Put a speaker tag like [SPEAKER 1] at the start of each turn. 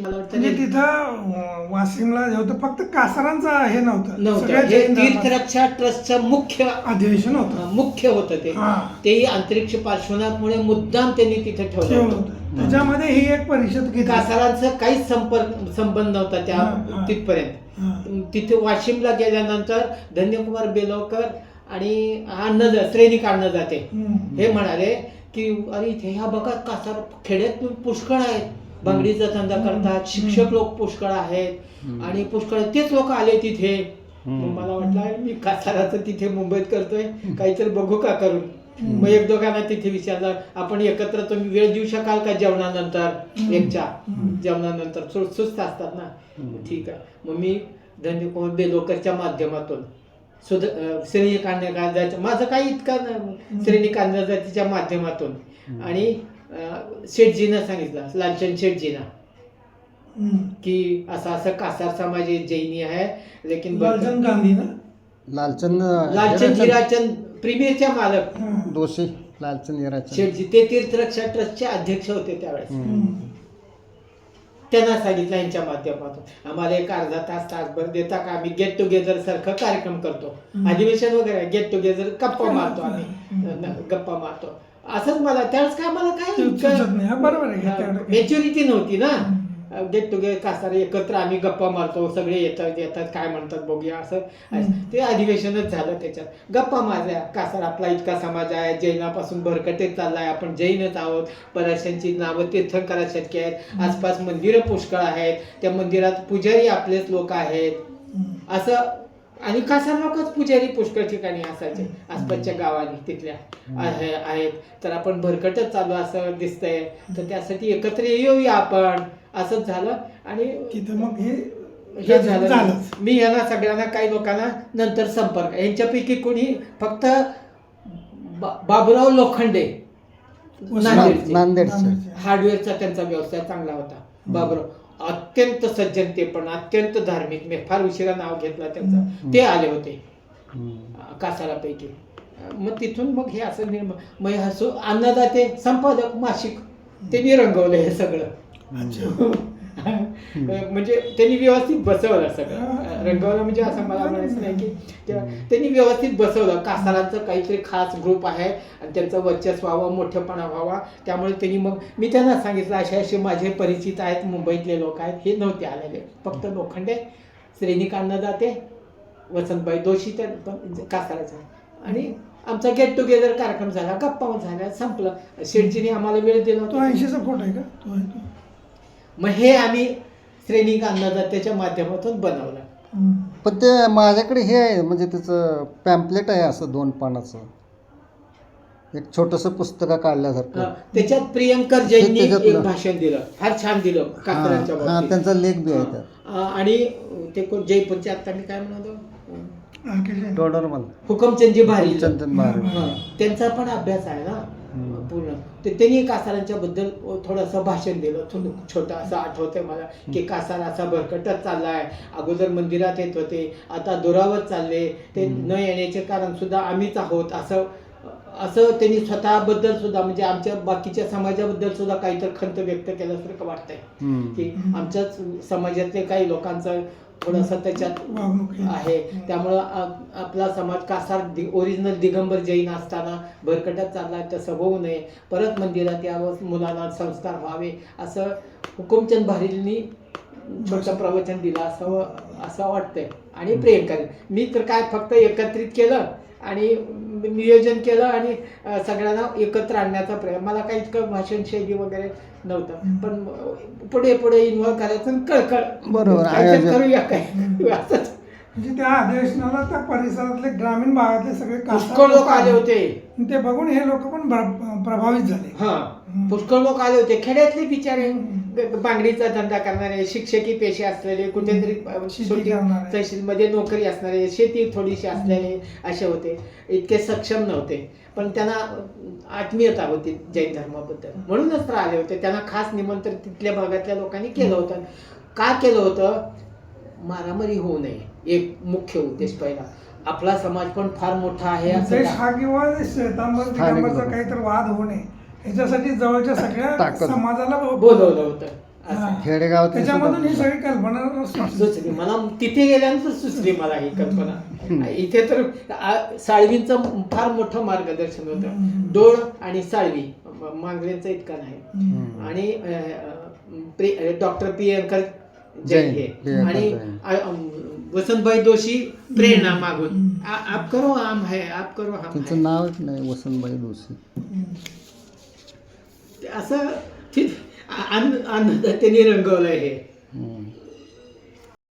[SPEAKER 1] मला
[SPEAKER 2] म्हणजे
[SPEAKER 1] वाटतं
[SPEAKER 2] तिथं वाशिमला जे होतं फक्त कासारांचं हे नव्हतं,
[SPEAKER 1] नव्हतं.
[SPEAKER 2] सगळ्या
[SPEAKER 1] हे
[SPEAKER 2] जैन धर्माचं
[SPEAKER 1] तीर्थरक्षा ट्रस्टचं मुख्य
[SPEAKER 2] अधिवेशन होतं.
[SPEAKER 1] मुख्य होतं ते.
[SPEAKER 2] हा.
[SPEAKER 1] तेही अंतरिक्ष पार्श्वनाथमुळे मुद्दाम त्यांनी तिथे ठेवलं
[SPEAKER 2] ठेवलं
[SPEAKER 1] होतं.
[SPEAKER 2] होतं. त्याच्यामध्ये ही एक परिषद घेतली.
[SPEAKER 1] कासारांचा काहीच संबंध नव्हता
[SPEAKER 2] हा,
[SPEAKER 1] त्या
[SPEAKER 2] हा.
[SPEAKER 1] तिथपर्यंत.
[SPEAKER 2] हा.
[SPEAKER 1] तिथे वाशिमला गेल्यानंतर धन्यकुमार बेलवकर आणि श्रेणिक जाते हे म्हणाले की अरे इथे ह्या बघा कासार खेड्यात पुष्कळ आहेत, बांगडीचा धंदा करतात, शिक्षक लोक पुष्कळ आहेत आणि पुष्कळ तेच लोक आले तिथे. मग मला वाटलं मी कासाराचं तिथे मुंबईत करतोय, काहीतरी बघू का करून. मग एक दोघांना तिथे विचारलं, आपण एकत्र तुम्ही वेळ देऊ शकाल का जेवणानंतर, एकच्या जेवणानंतर सुस्त असतात ना. ठीक आहे. मग मी धन्यकुमार बेलवकरच्या माध्यमातून श्रेणी कांद्याच्या माझं काही इतकं श्रेणी कांद्याच्या माध्यमातून आणि शेठजीनं सांगितलं, लालचंद शेठजीनं, की असं असं कासार समाज जैनी आहे, लेकिन
[SPEAKER 2] लालचंद गांधी ना,
[SPEAKER 1] लालचंद हिराचंद प्रीमियरच्या मालक
[SPEAKER 3] दोषी लालचंद हिराचंद
[SPEAKER 1] शेठजी ते तीर्थरक्षा ट्रस्टचे अध्यक्ष होते त्यावेळेस. त्यांना सांगितलं यांच्या माध्यमातून आम्हाला एक अर्धा तासभर देता का, आम्ही गेट टुगेदर सारखं कार्यक्रम करतो, अधिवेशन वगैरे गेट टुगेदर गप्पा मारतो, आम्ही गप्पा मारतो. असंच मला त्यावेळेस काय मला काय मॅच्युरिटी नव्हती ना. गेट टुगेदर कासार एकत्र आम्ही गप्पा मारतो, सगळे येतात काय म्हणतात बघूया, असं ते अधिवेशनच झालं. त्याच्यात गप्पा मारल्या. कासार आपला इतका समाज आहे, जैनापासून भरकटेत चाललाय, आपण जैनच आहोत, बऱ्याचशांची नावं तीर्थंकरा शक्य आहेत, आसपास मंदिरं पुष्कळ आहेत, त्या मंदिरात पुजारी आपलेच लोक आहेत असं. आणि कासार लोकच पुजारी पुष्कळ ठिकाणी असायचे आसपासच्या गावांनी तिथल्या आहेत. तर आपण भरकटच चालू असं दिसतंय, तर त्यासाठी एकत्र येऊया आपण, असंच झालं. आणि
[SPEAKER 2] तिथं मग
[SPEAKER 1] हे झालं. मी यांना सगळ्यांना काही लोकांना नंतर संपर्क, यांच्यापैकी कोणी फक्त बाबुराव लोखंडे
[SPEAKER 3] नांदेडचे
[SPEAKER 1] हार्डवेअरचा त्यांचा व्यवसाय चांगला होता. बाबुराव अत्यंत सज्जन, ते पण अत्यंत धार्मिक, मी फार उशिरा नाव घेतलं त्यांचं, ते आले होते कासारापैकी. मग तिथून मग हे असं मग हसू अन्नदाते संपादक मासिक त्यांनी रंगवलं हे सगळं. म्हणजे त्यांनी व्यवस्थित बसवलं सगळं. रंगवलं म्हणजे असं मला म्हणायचं नाही की त्यांनी व्यवस्थित बसवलं. कासारांचं काहीतरी खास ग्रुप आहे आणि त्यांचं वर्चस्व व्हावं, मोठेपणा व्हावा, त्यामुळे त्यांनी मग मी त्यांना सांगितलं असे असे माझे परिचित आहेत, मुंबईतले लोक आहेत. हे नव्हते आलेले, फक्त लोखंडे, श्रेणिक जाते, वसंतबाई दोषी त्या कासाराचं. आणि आमचा गेट टुगेदर कार्यक्रम झाला, गप्पा झाल्या, संपलं. शेठजीने आम्हाला वेळ दिला.
[SPEAKER 2] तो 80चा फोटो आहे का तो?
[SPEAKER 1] मग हे आम्ही श्रेणिक अन्नदात्याच्या माध्यमातून बनवलं.
[SPEAKER 3] पण ते माझ्याकडे हे आहे, म्हणजे त्याचं पॅम्पलेट आहे असं 2 पानाचं, एक छोटंसं पुस्तक काढल्यासारखं.
[SPEAKER 1] त्याच्यात प्रियंकर जैननी एक भाषण दिलं, फार छान दिलं कासारांच्या बाबतीत.
[SPEAKER 3] त्यांचा लेख बी आहे त्यात.
[SPEAKER 1] आणि ते कोण जयपूरचे आता मी काय म्हणालो,
[SPEAKER 3] टोडरमल
[SPEAKER 1] हुकमचंदजी भारी,
[SPEAKER 3] भारी
[SPEAKER 1] त्यांचा पण अभ्यास आहे ना पूर्ण. त्यांनी कासारांच्या बद्दल थोडंसं भाषण दिलं, छोटं असं आठवतंय मला, की कासार असा भरकटत चाललाय, अगोदर मंदिरात येत होते, आता दुरावत चालले, ते न येण्याचे कारण सुद्धा आम्हीच आहोत, असं त्यांनी स्वतःबद्दल सुद्धा, म्हणजे आमच्या बाकीच्या समाजाबद्दल सुद्धा काहीतरी खंत व्यक्त केल्यासारखं वाटतंय, की आमच्याच समाजातले काही लोकांचं थोडंसं त्याच्यात आहे. त्यामुळं आपला समाज कासार ओरिजिनल दिगंबर जैन असताना भरकटत चालला, तसं होऊ नये, परत मंदिरात यावं, मुलांना संस्कार व्हावे, असं हुकुमचंद भारींनी छोटं प्रवचन दिलं असं वाटतंय. आणि प्रियंका मी तर काय फक्त एकत्रित केलं आणि नियोजन केलं आणि सगळ्यांना एकत्र आणण्याचा प्रयत्न. मला काही इतकं भाषण शैली वगैरे नव्हतं, पण पुढे इन्व्हॉल्व करायचं, कळकळ
[SPEAKER 3] बरोबर
[SPEAKER 1] करूया काय असंच.
[SPEAKER 2] म्हणजे त्या अधिवेशनाला त्या परिसरातले ग्रामीण भागातले सगळे
[SPEAKER 1] पुष्कळ लोक आले होते.
[SPEAKER 2] ते बघून हे लोक पण प्रभावित झाले.
[SPEAKER 1] हा, पुष्कळ लोक आले होते, खेड्यातले बिचारे, बांगडीचा धंदा करणारे, शिक्षकी पेशे असलेले, कुठेतरी तहसीलमध्ये नोकरी असणारे, शेती थोडीशी असलेले असे होते. इतके सक्षम नव्हते, पण त्यांना आत्मीयता होती जैन धर्माबद्दल, म्हणूनच तर आले होते. त्यांना खास निमंत्रण तिथल्या भागातल्या लोकांनी केलं होतं. का केलं होतं? मारामारी होऊ नये, एक मुख्य उद्देश पहिला. आपला समाज पण फार मोठा आहे
[SPEAKER 2] हा, किंवा श्वेतांबर काहीतरी वाद होऊ नये ह्याच्यासाठी जवळच्या सगळ्या समाजाला
[SPEAKER 1] बोलवलं होतं. असं.
[SPEAKER 3] खेडेगावात
[SPEAKER 2] त्याच्यामधून ही सगळी कल्पना
[SPEAKER 1] सुचली मला, तिथे गेल्यानंतर सुचली मला ही कल्पना. इथे तर साळवींचं फार मोठं मार्गदर्शन होतं. डोळ आणि साळवी मांगल्यांचा इतका नाही. आणि डॉक्टर प्रियंकर जैन हे आणि वसंतभाई दोशी प्रेरणा मागून आप करो हम है, आप करो हम
[SPEAKER 3] त्यांचं
[SPEAKER 1] है.
[SPEAKER 3] नावच नाही वसंतबाई दोशी.
[SPEAKER 1] असं आनंद त्यांनी रंगवलंय हे.
[SPEAKER 3] हम्म.